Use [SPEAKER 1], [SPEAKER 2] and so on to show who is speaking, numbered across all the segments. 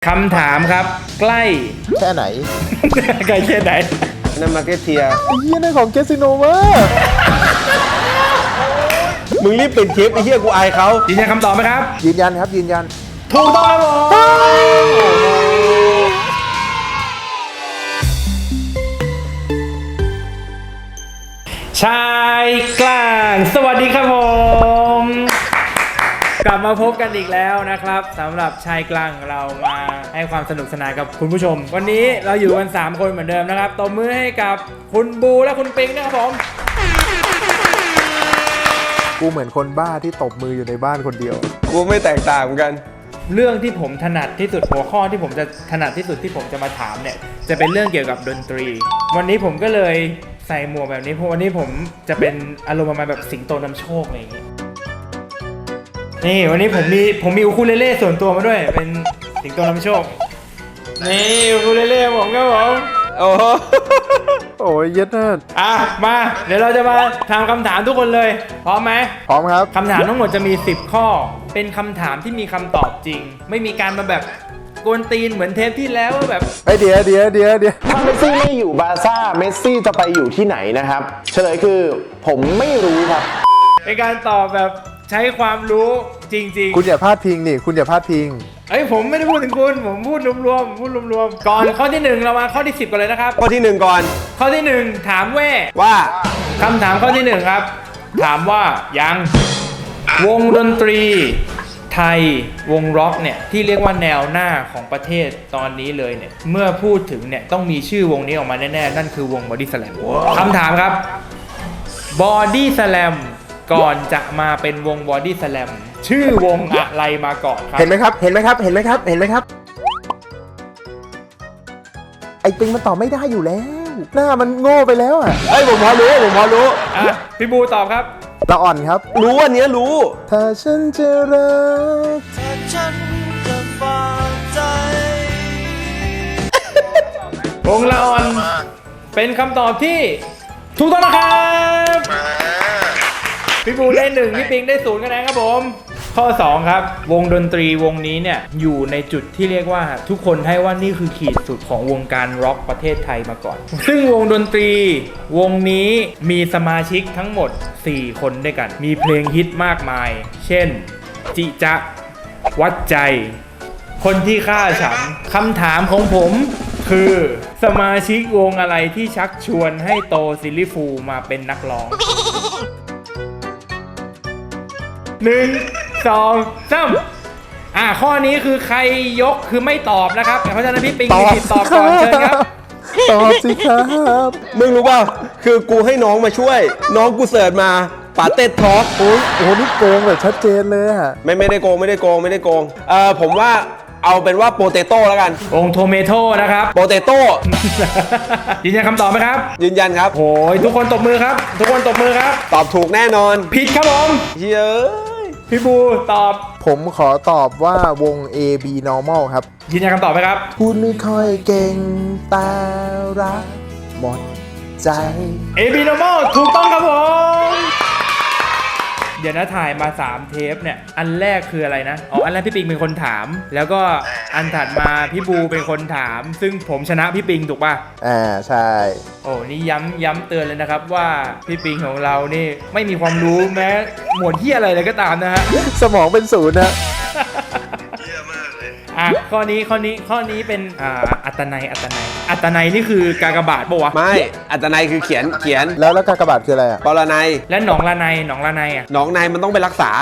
[SPEAKER 1] คำถามครับใกล้
[SPEAKER 2] แค่ไหน
[SPEAKER 1] ใกล้แค่ไหน
[SPEAKER 3] นั่นมาร์เก็ตเทีย
[SPEAKER 2] ไอ้เหี้ยนั่นของแคสิโนวะ
[SPEAKER 3] มึงรีบปิดคลิปไอ้เหี้ยกูอายเขา
[SPEAKER 1] ยืนยันคำตอบไหมครับ
[SPEAKER 2] ยืนยันครับยืนยัน
[SPEAKER 1] ถูกต้องครับผมชายกลางสวัสดีครับผมกลับมาพบกันอีกแล้วนะครับสำหรับชายกลางเรามาให้ความสนุกสนานกับคุณผู้ชม วันนี้เราอยู่กัน3คนเหมือนเดิมนะครับตบมือให้กับคุณบูและคุณปิงนะครับผม
[SPEAKER 2] กูเหมือนคนบ้าที่ตบมืออยู่ในบ้านคนเดียว
[SPEAKER 3] กูไม่แตกต่างเหมือนกัน
[SPEAKER 1] เรื่องที่ผมถนัดที่สุดหัวข้อที่ผมจะถนัดที่สุดที่ผมจะมาถามเนี่ยจะเป็นเรื่องเกี่ยวกับดนตรีวันนี้ผมก็เลยใส่หมวกแบบนี้เพราะวันนี้ผมจะเป็นอารมณ์ประมาณแบบสิงโตนำโชคอะไรอย่างงี้นี่วันนี้ผมมีอูคูเลเล่ส่วนตัวมาด้วยเป็นสิงโตนำโชคนี่อูคูเลเล่ผมครับผม
[SPEAKER 3] โอ้โห
[SPEAKER 2] โอ้ยเย็ดน่า
[SPEAKER 1] มาเดี๋ยวเราจะมาถามคำถามทุกคนเลยพร้อมไหม
[SPEAKER 2] พร้อมครับ
[SPEAKER 1] คำถามทั้งหมดจะมี10ข้อเป็นคำถามที่มีคำตอบจริง ไม่มีการมาแบบกวนตีนเหมือนเทปที่แล้วว่าแบบ
[SPEAKER 2] ไอเดี๋ยว
[SPEAKER 4] ถ้าเมสซี่ไม่อยู่บาร์ซ่าเมสซี่จะไปอยู่ที่ไหนนะครับเฉลยคือผมไม่รู้ครับ
[SPEAKER 1] เป็นการตอบแบบใช้ความรู้จริง
[SPEAKER 2] คุณอย่าพลาดพิงนี่คุณอย่าพลาดพิง
[SPEAKER 1] ๆเอ้ยผมไม่ได้พูดถึงคุณผมพูดรวมๆก่อนข้อที่1เรามาข้อที่10กันเลยนะครับ
[SPEAKER 3] ข้อที่ 1 ก่อน
[SPEAKER 1] ข้อที่1ถามแว่
[SPEAKER 3] ว่า
[SPEAKER 1] คำถามข้อที่1ครับถามว่ายังวงดนตรีไทยวงร็อกเนี่ยที่เรียกว่าแนวหน้าของประเทศตอนนี้เลยเนี่ยเมื่อพูดถึงเนี่ยต้องมีชื่อวงนี้ออกมาแน่ๆนั่นคือวง Body Slam คำถามครับ Body Slam ก่อนจะมาเป็นวง Body Slam ชื่อวงอะไรมาก่อนครับ
[SPEAKER 2] เห็นไหมครับเห็นไหมครับไอปิงมันตอบไม่ได้อยู่แล้ว หน้ามันโง่ไปแล้วอ่ะ
[SPEAKER 3] เอ้ยผมพอรู้
[SPEAKER 1] อ่ะพี่บูตอบครับ
[SPEAKER 2] ละอ่อนครับ
[SPEAKER 3] รู้อันเนี้ยรู้
[SPEAKER 2] ถ้าฉันจะรัก
[SPEAKER 1] วงละอ่อนเป็นคำตอบที่ถูกต้องนะครับพี่บูได้1พี่ปิงได้0คะแนนครับผมข้อ2ครับวงดนตรีวงนี้เนี่ยอยู่ในจุดที่เรียกว่าทุกคนให้ว่านี่คือขีดสุดของวงการร็อกประเทศไทยมาก่อน ซึ่งวงดนตรีวงนี้มีสมาชิกทั้งหมด4คนด้วยกันมีเพลงฮิตมากมาย เช่นจิจะวัดใจคนที่ฆ่าฉันคำถามของผมคือสมาชิกวงอะไรที่ชักชวนให้โตซิลลิฟูมาเป็นนักร้อง 1 2 3ข้อนี้คือใครยกคือไม่ตอบนะครับเพราะฉะนั้นพี่ปิงมีสิทธิ์ตอบก่อนเชิญครับ
[SPEAKER 2] ตอบสิครับ
[SPEAKER 3] มึงรู้ป่ะคือกูให้น้องมาช่วย น้องกูเสิร์ชมาปาเต็ดท็อก
[SPEAKER 2] โอ้โหนี่โกงแบบชัดเจนเลยอ่ะ
[SPEAKER 3] ไม่ได้โกงผมว่าเอาเป็นว่าโปเตโต้แล้วกัน
[SPEAKER 1] องโทเมโต้นะครับ
[SPEAKER 3] โปเตโต้
[SPEAKER 1] ยืนยันคำตอบไหมครับ
[SPEAKER 3] ยืนยันครับ
[SPEAKER 1] โอ้ยทุกคนตบมือครับ ทุกคนตบมือครับ
[SPEAKER 3] ตอบถูกแน่นอน
[SPEAKER 1] ผิดครับผม
[SPEAKER 3] เฮ้ย
[SPEAKER 1] พี่บูตอบ
[SPEAKER 2] ผมขอตอบว่าวง AB Normal ครับ
[SPEAKER 1] ยืนยันคำตอบไหมครับ
[SPEAKER 2] พูดไม่ค่อยเก่งแต่รักหมดใจ
[SPEAKER 1] AB Normal ถูกต้องครับผม เดี๋ยวนะถ่ายมา3เทปเนี่ยอันแรกคืออะไรนะอันแรกพี่ปิงเป็นคนถาม แล้วก็อันถัดมาพี่บูเป็นคนถาม ซึ่งผมชนะพี่ปิงถูกป่ะ
[SPEAKER 2] ใช่
[SPEAKER 1] โอ้นี่ย้ำเตือนเลยนะครับว่าพี่ปิงของเรานี่ไม่มีความรู้แม้หมวดที่อะไรเลยก็ตามนะฮะ
[SPEAKER 2] สมองเป็นศูนย์นะ
[SPEAKER 1] ข้อนี้เป็นอัตนัยนี่คือกากบาทปะวะ
[SPEAKER 3] ไม่อัตนัยคือเขียน
[SPEAKER 2] แล้วกากบาทคืออะไรอ่ะ
[SPEAKER 3] ปรนัย
[SPEAKER 1] และหนองละไนอ่ะ
[SPEAKER 3] หนองในมันต้องไปรักษา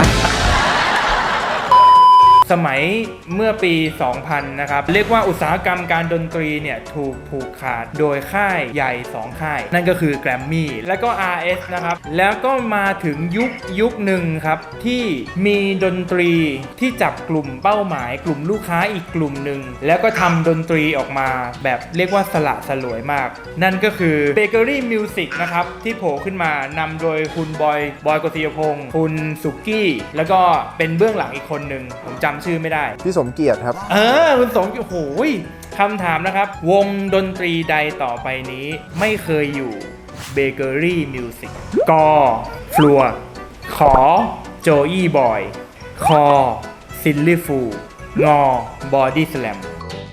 [SPEAKER 1] สมัยเมื่อปี 2000 นะครับ เรียกว่าอุตสาหกรรมการดนตรีเนี่ยถูกผูกขาดโดยค่ายใหญ่ 2 ค่าย นั่นก็คือ Grammy และก็ RS นะครับ แล้วก็มาถึงยุคหนึ่งครับที่มีดนตรีที่จับกลุ่มเป้าหมายกลุ่มลูกค้าอีกกลุ่มหนึ่งแล้วก็ทำดนตรีออกมาแบบเรียกว่าสละสลวยมาก นั่นก็คือ Bakery Music นะครับที่โผล่ขึ้นมานำโดยคุณบอยกฤษยพงศ์คุณสุกี้แล้วก็เป็นเบื้องหลังอีกคนหนึ่งผมจำชื่อไม่ได้
[SPEAKER 2] พี่สมเกียรติครับ
[SPEAKER 1] คุณสงโอ้โหคำถามนะครับ วงดนตรีใดต่อไปนี้ไม่เคยอยู่ Bakery Music กฟลัวขอโจอี้บอยคอซิลลี่ฟูงอบอดี้สแลม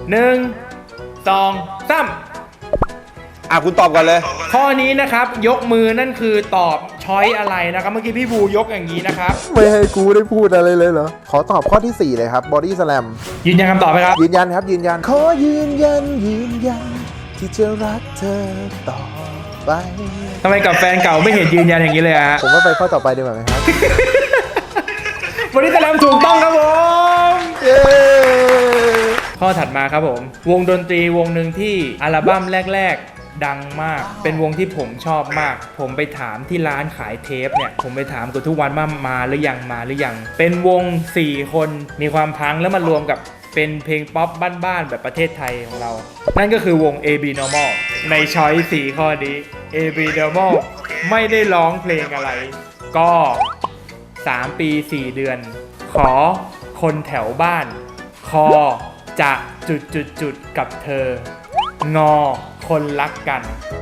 [SPEAKER 1] 1 2 3
[SPEAKER 3] คุณตอบก่อนเลย
[SPEAKER 1] ข้อนี้นะครับยกมือนั่นคือตอบช้อยอะไรนะครับ เมื่อกี้พี่บูยกอย่างนี้นะครับ
[SPEAKER 2] ไม่ให้กูได้พูดอะไรเลยเหรอ ขอตอบข้อที่ 4 เลยครับ body slam
[SPEAKER 1] ยืนยันคำตอบไหมครับ
[SPEAKER 2] ยืนยันครับ ยืนยัน ขอยืนยันที่จะรักเธอต่อไป
[SPEAKER 1] ทำไมกับแฟนเก่าไม่เห็นยืนยันอย่างนี้เลยอะฮะ
[SPEAKER 2] ผมว่าไปข้อต่อไปดีกว่าไหมครับ
[SPEAKER 1] วันนี้แสดงถูกต้องครับผม
[SPEAKER 2] เย้
[SPEAKER 1] ข้อถัดมาครับผม วงดนตรีวงหนึ่งที่อัลบั้มแรกๆ ดังมาก เป็นวงที่ผมชอบมาก ผมไปถามที่ร้านขายเทปเนี่ย ผมไปถามกับทุกวันว่ามาหรือยังมาหรือยัง เป็นวง 4 คนมีความพังแล้วมารวมกับเป็นเพลงป๊อปบ้านๆแบบประเทศไทยของเรา นั่นก็คือวง AB Normal ในช้อย4ข้อนี้ AB Normal ไม่ได้ร้องเพลงอะไร ก็ 3 ปี 4 เดือน ขอคนแถวบ้าน คอจะจุดกับเธอ งอคนรักกัน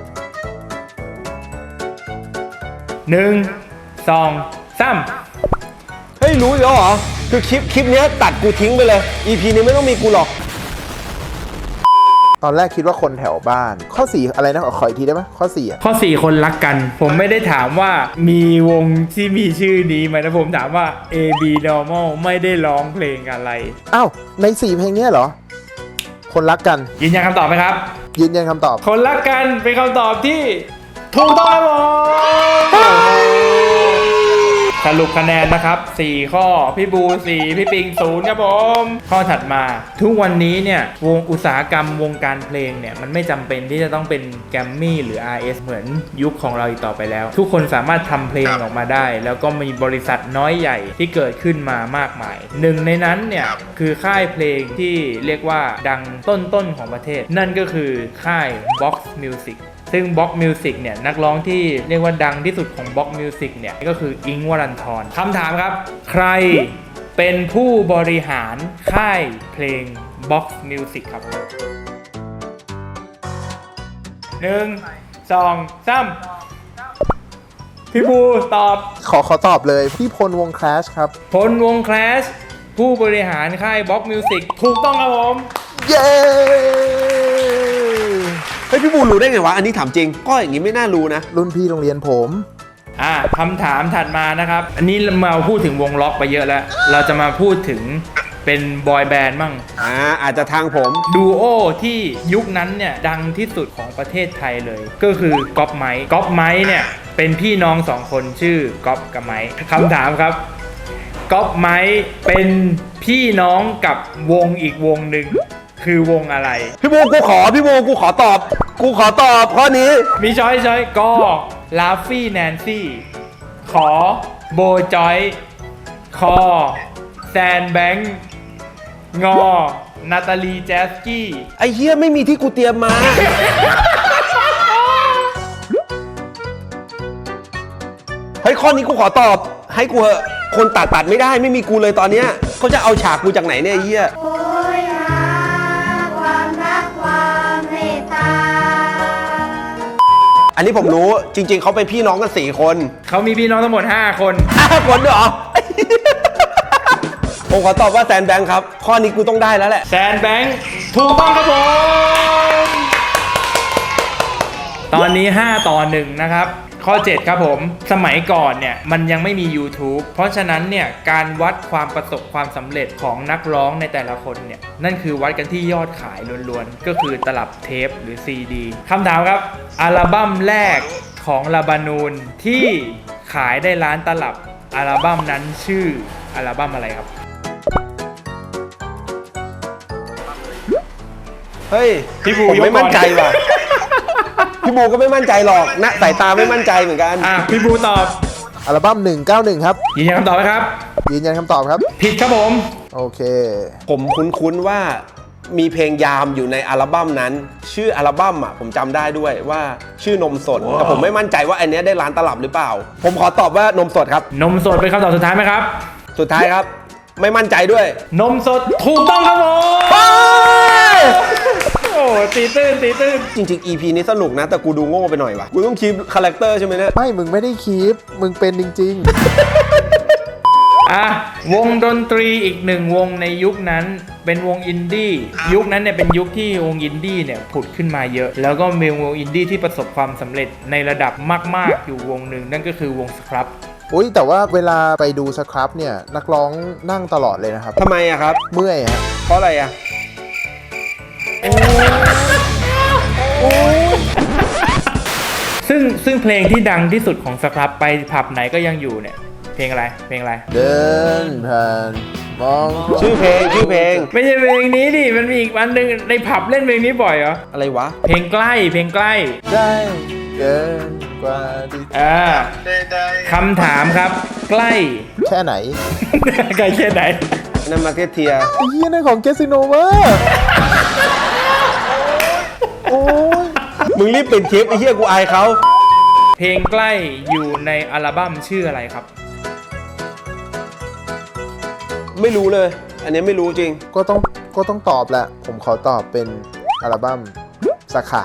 [SPEAKER 1] 1 2 3
[SPEAKER 3] เฮ้ย รู้แล้วเหรอ คือคลิปเนี้ยตัดกูทิ้งไปเลย EP นี้ไม่ต้องมีกูหรอก
[SPEAKER 2] ตอนแรกคิดว่าคนแถวบ้าน ข้อ 4 อะไรนะ ขออีกทีได้ไหมข้อ 4 อ่ะ
[SPEAKER 1] ข้อ 4 คนรักกัน ผมไม่ได้ถามว่ามีวงที่มีชื่อนี้ไหมนะผมถามว่า AB Normal ไม่ได้ร้องเพลงอะไร
[SPEAKER 2] อ้าว ใน 4 เพลงเนี้ยเหรอ คนรักกัน
[SPEAKER 1] ยืนยันคำตอบไหมครับ
[SPEAKER 2] ยืนยันคำตอบ
[SPEAKER 1] คนรักกันเป็นคำตอบที่ถูกต้องครับผมสรุปคะแนนนะครับ 4 ข้อ พี่บู 4 พี่ปิง 0 ครับผม ข้อถัดมา ทุกวันนี้เนี่ยวงอุตสาหกรรมวงการเพลงเนี่ยมันไม่จำเป็นที่จะต้องเป็นแกรมมี่หรือ RS เหมือนยุคของเราอีกต่อไปแล้ว ทุกคนสามารถทำเพลงออกมาได้ แล้วก็มีบริษัทน้อยใหญ่ที่เกิดขึ้นมามากมาย หนึ่งในนั้นเนี่ยคือค่ายเพลงที่เรียกว่าดังต้นๆของประเทศ นั่นก็คือค่าย Box Music ซึ่ง Box Music เนี่ยนักร้องที่เรียกว่าดังที่สุดของ Box Music เนี่ยก็คืออิงค์วรันธรคำถามครับ ใครเป็นผู้บริหารค่ายเพลง Box Music ครับ 1 2 3 พี่บูตอบ
[SPEAKER 2] ขอตอบเลย พี่พลวง Clash ครับ
[SPEAKER 1] พลวง Clash ผู้บริหารค่าย Box Music ถูกต้องครับผม
[SPEAKER 2] เย้
[SPEAKER 3] เฮ้ย พี่บูรู้ได้ไงวะ อันนี้ถามจริง ก็อย่างนี้ไม่น่ารู้นะ
[SPEAKER 2] รุ่นพี่โรงเรียนผม
[SPEAKER 1] คำถามถัดมานะครับ อันนี้เรามาพูดถึงวงล็อกไปเยอะแล้ว เราจะมาพูดถึงเป็นบอยแบนด์มั่ง
[SPEAKER 3] อาจจะทางผม
[SPEAKER 1] ดูโอที่ยุคนั้นเนี่ยดังที่สุดของประเทศไทยเลย ก็คือก๊อปไมค์ก๊อปไมค์เนี่ยเป็นพี่น้อง2 คนชื่อก๊อปกับไมค์คำถามครับก๊อปไมค์เป็นพี่น้องกับวงอีกวงหนึ่งคือวงอะไร
[SPEAKER 3] พี่บูกูขอตอบ ข้อนี้
[SPEAKER 1] มีช้อยก็ลาฟี่แนนซี่ขอโบจอยคอแซนแบงค์งอนาตาลีแจสกี้
[SPEAKER 3] ไอ้เหี้ยไม่มีที่กูเตรียมมา เฮ้ย ข้อนี้กูขอตอบ ให้กูเหอะคนตัดไม่ได้ไม่มีกูเลยตอนเนี้ยเขาจะเอาฉากกูจากไหนเนี่ยไอ้เหี้ย
[SPEAKER 5] โอยหาความรักความเมตตา
[SPEAKER 3] อันนี้ผมรู้จริง ๆเขาเป็นพี่น้องกัน4 คน
[SPEAKER 1] เขามีพี่น้องทั้งหมด 5 คน
[SPEAKER 3] 5 คนด้วยเหรอ ผมขอตอบว่าแซนแบงค์ครับ ข้อนี้กูต้องได้แล้วแหละ
[SPEAKER 1] แซนแบงค์ถูกต้องครับผม ตอนนี้ 5 ต่อ 1 นะครับ ข้อ 7 ครับผม สมัยก่อนเนี่ยมันยังไม่มี YouTube เพราะฉะนั้นเนี่ยการวัดความประสบความสำเร็จของนักร้องในแต่ละคนเนี่ยนั่นคือวัดกันที่ยอดขายล้วนๆ ก็คือตลับเทปหรือ CD คำถามครับ อัลบั้มแรกของลาบานูนที่ขายได้ล้านตลับ อัลบั้มนั้นชื่ออัลบั้มอะไรครับ
[SPEAKER 3] เฮ้ย
[SPEAKER 1] พี่บู
[SPEAKER 3] ผมไม่
[SPEAKER 1] ยกก่อน
[SPEAKER 3] มั่นใจว่ะ พี่บูก็ไม่มั่นใจหรอกนะสายตาไม่มั่นใจเหมือนกัน
[SPEAKER 1] พี่บูตอบ
[SPEAKER 2] อัลบั้ม 191 ครับ
[SPEAKER 1] ยืนยันคำตอบไหมครับ
[SPEAKER 2] ยืนยันคำตอบครับ
[SPEAKER 1] ผิดครับผม
[SPEAKER 2] โอเค
[SPEAKER 3] ผมคุ้นๆว่ามีเพลงยามอยู่ในอัลบั้มนั้น ชื่ออัลบั้มผมจำได้ด้วยว่าชื่อนมสด แต่ผมไม่มั่นใจว่าอันเนี้ยได้ล้านตลับหรือเปล่า ผมขอตอบว่านมสดครับ
[SPEAKER 1] นมสดเป็นคำตอบสุดท้ายไหมครับ
[SPEAKER 3] สุดท้ายครับ ไม่มั่นใจด้วย
[SPEAKER 1] นมสดถูกต้องครับผมโอ้ตีตื้น
[SPEAKER 3] จริงๆ EP นี้สนุกนะ แต่กูดูโง่ไปหน่อยว่ะ กูต้องคีปคาแรคเตอร์ใช่ไหมเนี่ย
[SPEAKER 2] ไม่ มึงไม่ได้คีปมึงเป็นจริง
[SPEAKER 1] วงดนตรีอีกหนึ่งวงในยุคนั้นเป็นวงอินดี้ยุคนั้นเนี่ยเป็นยุคที่วงอินดี้เนี่ยผุดขึ้นมาเยอะแล้วก็มีวงอินดี้ที่ประสบความสำเร็จในระดับมากๆอยู่วงหนึ่งนั่นก็คือวงสครับ
[SPEAKER 2] อุ้ยแต่ว่าเวลาไปดูสครับเนี่ยนักร้องนั่งตลอดเลยนะครับ
[SPEAKER 3] ทำไมอะครับ
[SPEAKER 2] เมื่อยฮะ
[SPEAKER 3] เพราะอะไรอะ
[SPEAKER 1] ซึ่งเพลงที่ดังที่สุดของสครับไปผับไหนก็ยังอยู่เนี่ยเพลงอะไรเพลงอะไร
[SPEAKER 2] เดินผ่านมอง
[SPEAKER 3] ชื่อเพลง
[SPEAKER 1] ไม่ใช่เพลงนี้ดิมันมีอีกอันหนึ่งในผับเล่นเพลงนี้บ่อยเหรอ
[SPEAKER 3] อะไรวะ
[SPEAKER 1] เพลงใกล้เพลงใกล้
[SPEAKER 2] ได้เกินกว่าที่
[SPEAKER 1] คำถามครับ ใกล้
[SPEAKER 2] แค่ไหน
[SPEAKER 1] ใกล้แค่ไหน
[SPEAKER 3] นั่นมาร์เก็ตเทีย
[SPEAKER 2] ไอ้เหี้ยนั่นของเกสิโนเวอร์โอ้ย
[SPEAKER 3] มึงรีบปิดคลิปไอ้เหี้ยกูอายเขา
[SPEAKER 1] เพลงใกล้อยู่ในอัลบั้มชื่ออะไรครับ
[SPEAKER 3] ไม่รู้เลย อันนี้ไม่รู้จริง
[SPEAKER 2] ก็ต้องตอบแหละ ผมขอตอบเป็นอัลบั้มสาขา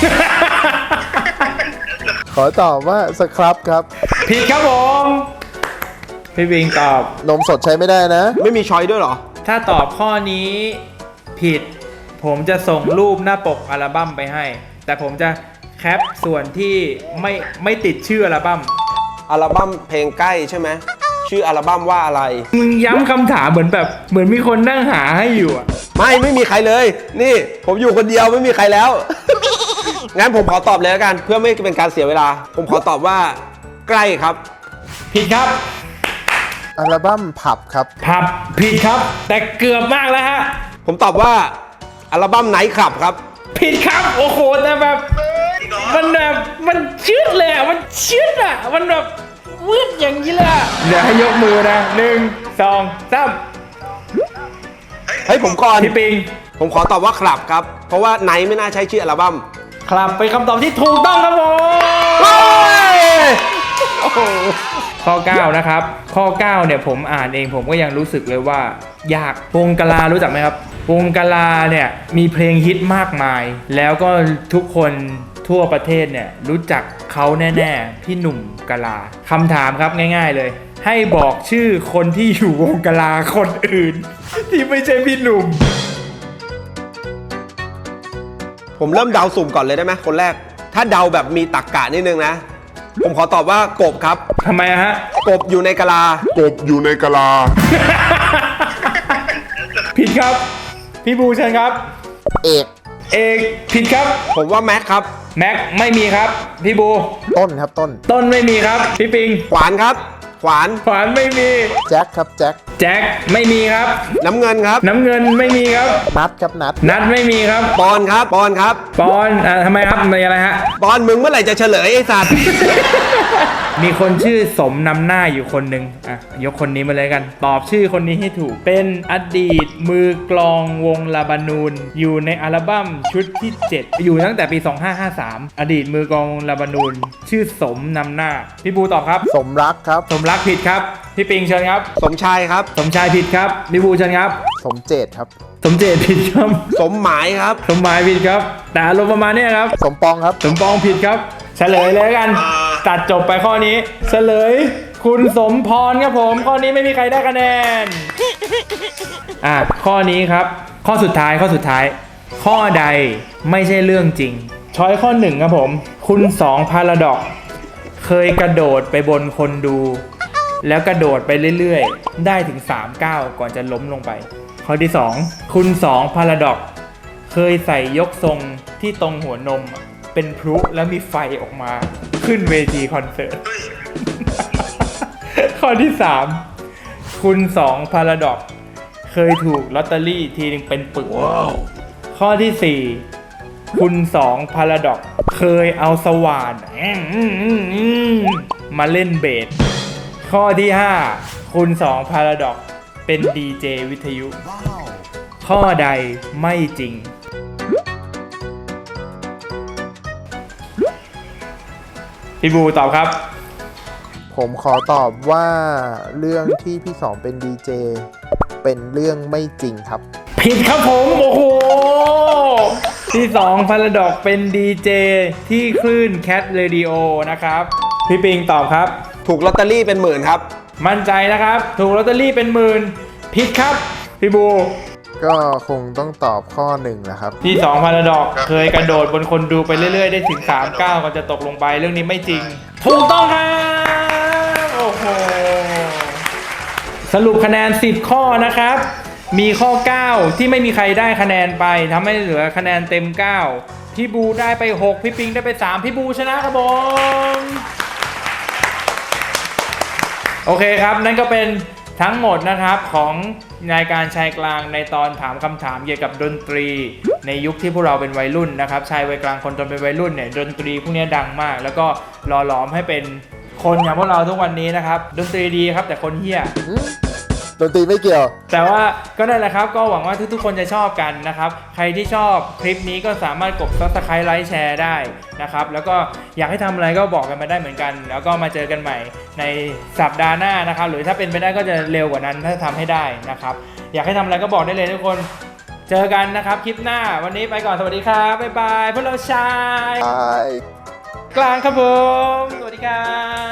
[SPEAKER 2] ขอตอบว่าสครับครับ
[SPEAKER 1] ผิดครับผม พี่บิงตอบ
[SPEAKER 2] นมสดใช้ไม่ได้นะ
[SPEAKER 3] ไม่มีช้อยด้วยเหรอ
[SPEAKER 1] ถ้าตอบข้อนี้ผิด ผมจะส่งรูปหน้าปกอัลบั้มไปให้ แต่ผมจะแคปส่วนที่ไม่ติดชื่ออัลบั้ม
[SPEAKER 3] อัลบั้มเพลงใกล้ใช่ไหม ชื่ออัลบั้มว่าอะไร
[SPEAKER 1] มึงย้ำคำถามเหมือนมีคนนั่งหาให้อยู่อะ
[SPEAKER 3] ไม่มีใครเลย นี่ผมอยู่คนเดียวไม่มีใครแล้ว งั้นผมขอตอบเลยแล้วกัน เพื่อไม่เป็นการเสียเวลา ผมขอตอบว่าใกล้ครับ
[SPEAKER 1] ผิดครับ
[SPEAKER 2] อัลบั้มผับครับ
[SPEAKER 1] ผับผิดครับ แต่เกือบมากแล้วฮะ
[SPEAKER 3] ผมตอบว่าอัลบั้มไนท์คลับครับ
[SPEAKER 1] ผิดครับ โอ้โหแต่แบบมันชืดเลยอะมันชืดอะมันแบบวืดอย่างนี้เลยอะเดี๋ยวให้ยกมือนะ1 2 3
[SPEAKER 3] เฮ้ยผมก่อน
[SPEAKER 1] พี่ปิง
[SPEAKER 3] ผมขอตอบว่าคลับครับ เพราะว่าไนท์ไม่น่าใช้ชื่ออัลบั้ม
[SPEAKER 1] ครับเป็นคำตอบที่ถูกต้องครับผม
[SPEAKER 3] โอ้โห
[SPEAKER 1] ข้อ 9 นะครับ ข้อ 9 เนี่ยผมอ่านเองผมก็ยังรู้สึกเลยว่ายากวงกะลารู้จักไหมครับ วงกะลาเนี่ยมีเพลงฮิตมากมาย แล้วก็ทุกคนทั่วประเทศเนี่ยรู้จักเขาแน่ๆพี่หนุ่มกะลาคำถามครับง่ายๆเลย ให้บอกชื่อคนที่อยู่วงกะลาคนอื่น ที่ไม่ใช่พี่หนุ่ม
[SPEAKER 3] ผมเริ่มเดาสุ่มก่อนเลยได้ไหมคนแรก ถ้าเดาแบบมีตรรกะนิดนึงนะ ผมขอตอบว่ากบครับ
[SPEAKER 1] ทำไมอะฮะ
[SPEAKER 3] กบอยู่ในกะลา
[SPEAKER 6] อยู่ในกะลา
[SPEAKER 1] ผิดครับ พี่บูเชิญครับ
[SPEAKER 2] เอก
[SPEAKER 1] เอกผิดครับ
[SPEAKER 3] ผมว่าแม็กครับ
[SPEAKER 1] แม็กไม่มีครับ พี่บู
[SPEAKER 2] ต้นครับต้น
[SPEAKER 1] ต้นไม่มีครับ พี่ปิง
[SPEAKER 3] ขวานครับ ขวาน
[SPEAKER 1] ขวานไม่มี
[SPEAKER 2] แจ็คครับแจ็ค
[SPEAKER 1] แจ็คไม่มีครับ
[SPEAKER 3] น้ำเงินครับ
[SPEAKER 1] น้ำเงินไม่มีครับ
[SPEAKER 2] นัดครับนัด
[SPEAKER 1] นัดไม่มีครับ
[SPEAKER 3] ปอนครับ ปอนครับ
[SPEAKER 1] ปอนทำไมครับมีอะไรฮะ
[SPEAKER 3] ปอนมึงเมื่อไหร่จะเฉลยไอ้สัตว์
[SPEAKER 1] มีคนชื่อสมนำหน้าอยู่คนหนึ่งอ่ะยกคนนี้มาเลยกัน ตอบชื่อคนนี้ให้ถูก เป็นอดีตมือกลองวงลาบานูน อยู่ในอัลบั้มชุดที่ 7 อยู่ตั้งแต่ปี 2553 อดีตมือกลองวงลาบานูน ชื่อสมนำหน้า พี่บูตอบครับ
[SPEAKER 2] สมรักครับ
[SPEAKER 1] สมรักผิดครับ พี่ปิงเชิญครับ
[SPEAKER 3] สมชายครับ
[SPEAKER 1] สมชายผิดครับ พี่บูเชิญครับ
[SPEAKER 2] สมเจตครับ
[SPEAKER 1] สมเจตผิดครับ
[SPEAKER 3] สมหมายครับ
[SPEAKER 1] สมหมายผิดครับ แต่อารมณ์ประมาณเนี้ยครับ
[SPEAKER 2] สมปองครับ
[SPEAKER 1] สมปองผิดครับ เฉลยเลยแล้วกัน ตัดจบไปข้อนี้ เฉลย คุณสมพรครับผม ข้อนี้ไม่มีใครได้คะแนน ข้อนี้ครับ ข้อสุดท้าย ข้อใดไม่ใช่เรื่องจริง ช้อยข้อ 1 ครับผม คุณ2พาราดอกเคยกระโดดไปบนคนดู แล้วกระโดดไปเรื่อยๆ ได้ถึง3 ก้าวก่อนจะล้มลงไป ข้อที่ 2 คุณ2พาราดอกเคยใส่ยกทรงที่ตรงหัวนม เป็นพลุแล้วมีไฟออกมาขึ้นเวทีคอนเสิร์ต ข้อที่ 3 คุณ2พาราดอกเคยถูกลอตเตอรี่ทีนึงเป็นปึก ข้อที่ 4 คุณ2พาราดอกเคยเอาสว่านมาเล่นเบส ข้อที่ 5 คุณ2พาราดอกเป็นดีเจวิทยุ ข้อใดไม่จริง พี่บูตอบครับ
[SPEAKER 2] ผมขอตอบว่าเรื่องที่พี่สองเป็นดีเจเป็นเรื่องไม่จริงครับ
[SPEAKER 1] ผิดครับผม โอ้โห ที่2พาราดอกเป็นดีเจที่คลื่น Cat Radio นะครับ พี่ปิงตอบครับ
[SPEAKER 3] ถูกลอตเตอรี่เป็นหมื่นครับ
[SPEAKER 1] มั่นใจนะครับ ถูกลอตเตอรี่เป็นหมื่นผิดครับพี่บู
[SPEAKER 2] ก็คงต้องตอบข้อหนึ่งแหละครับ
[SPEAKER 1] ที่2พาราดอกเคยกระโดดบนคนดูไปเรื่อยๆได้ถึง3 ก้าวก่อนจะตกลงไปเรื่องนี้ไม่จริง ถูกต้องครับโอ้โหสรุปคะแนน10ข้อนะครับมีข้อ9ที่ไม่มีใครได้คะแนนไปทำให้เหลือคะแนนเต็ม9พี่บูได้ไป6พี่ปิงได้ไป3พี่บูชนะครับผมโอเคครับนั่นก็เป็นทั้งหมดนะครับของรายการชายกลางในตอนถามคำถามเกี่ยวกับดนตรีในยุคที่พวกเราเป็นวัยรุ่นนะครับชายวัยกลางคนจนเป็นวัยรุ่นเนี่ยดนตรีพวกนี้ดังมากแล้วก็หล่อหลอมให้เป็นคนอย่างพวกเราทุกวันนี้นะครับดนตรีดีครับแต่คนเหี้ย
[SPEAKER 2] ดนตรีไม่เกี่ยว
[SPEAKER 1] แต่ว่าก็นั่นแหละครับก็หวังว่าทุกๆคนจะชอบกันนะครับใครที่ชอบคลิปนี้ก็สามารถกด Subscribe ไลค์แชร์ได้นะครับแล้วก็อยากให้ทำอะไรก็บอกกันมาได้เหมือนกัน แล้วก็มาเจอกันใหม่ในสัปดาห์หน้านะครับหรือถ้าเป็นไปได้ก็จะเร็วกว่านั้นถ้าทำให้ได้นะครับอยากให้ทำอะไรก็บอกได้เลยทุกคนเจอกันนะครับคลิปหน้าวันนี้ไปก่อนสวัสดีครับบ๊ายบายพวกเราชายกลางครับผมสวัสดีครับ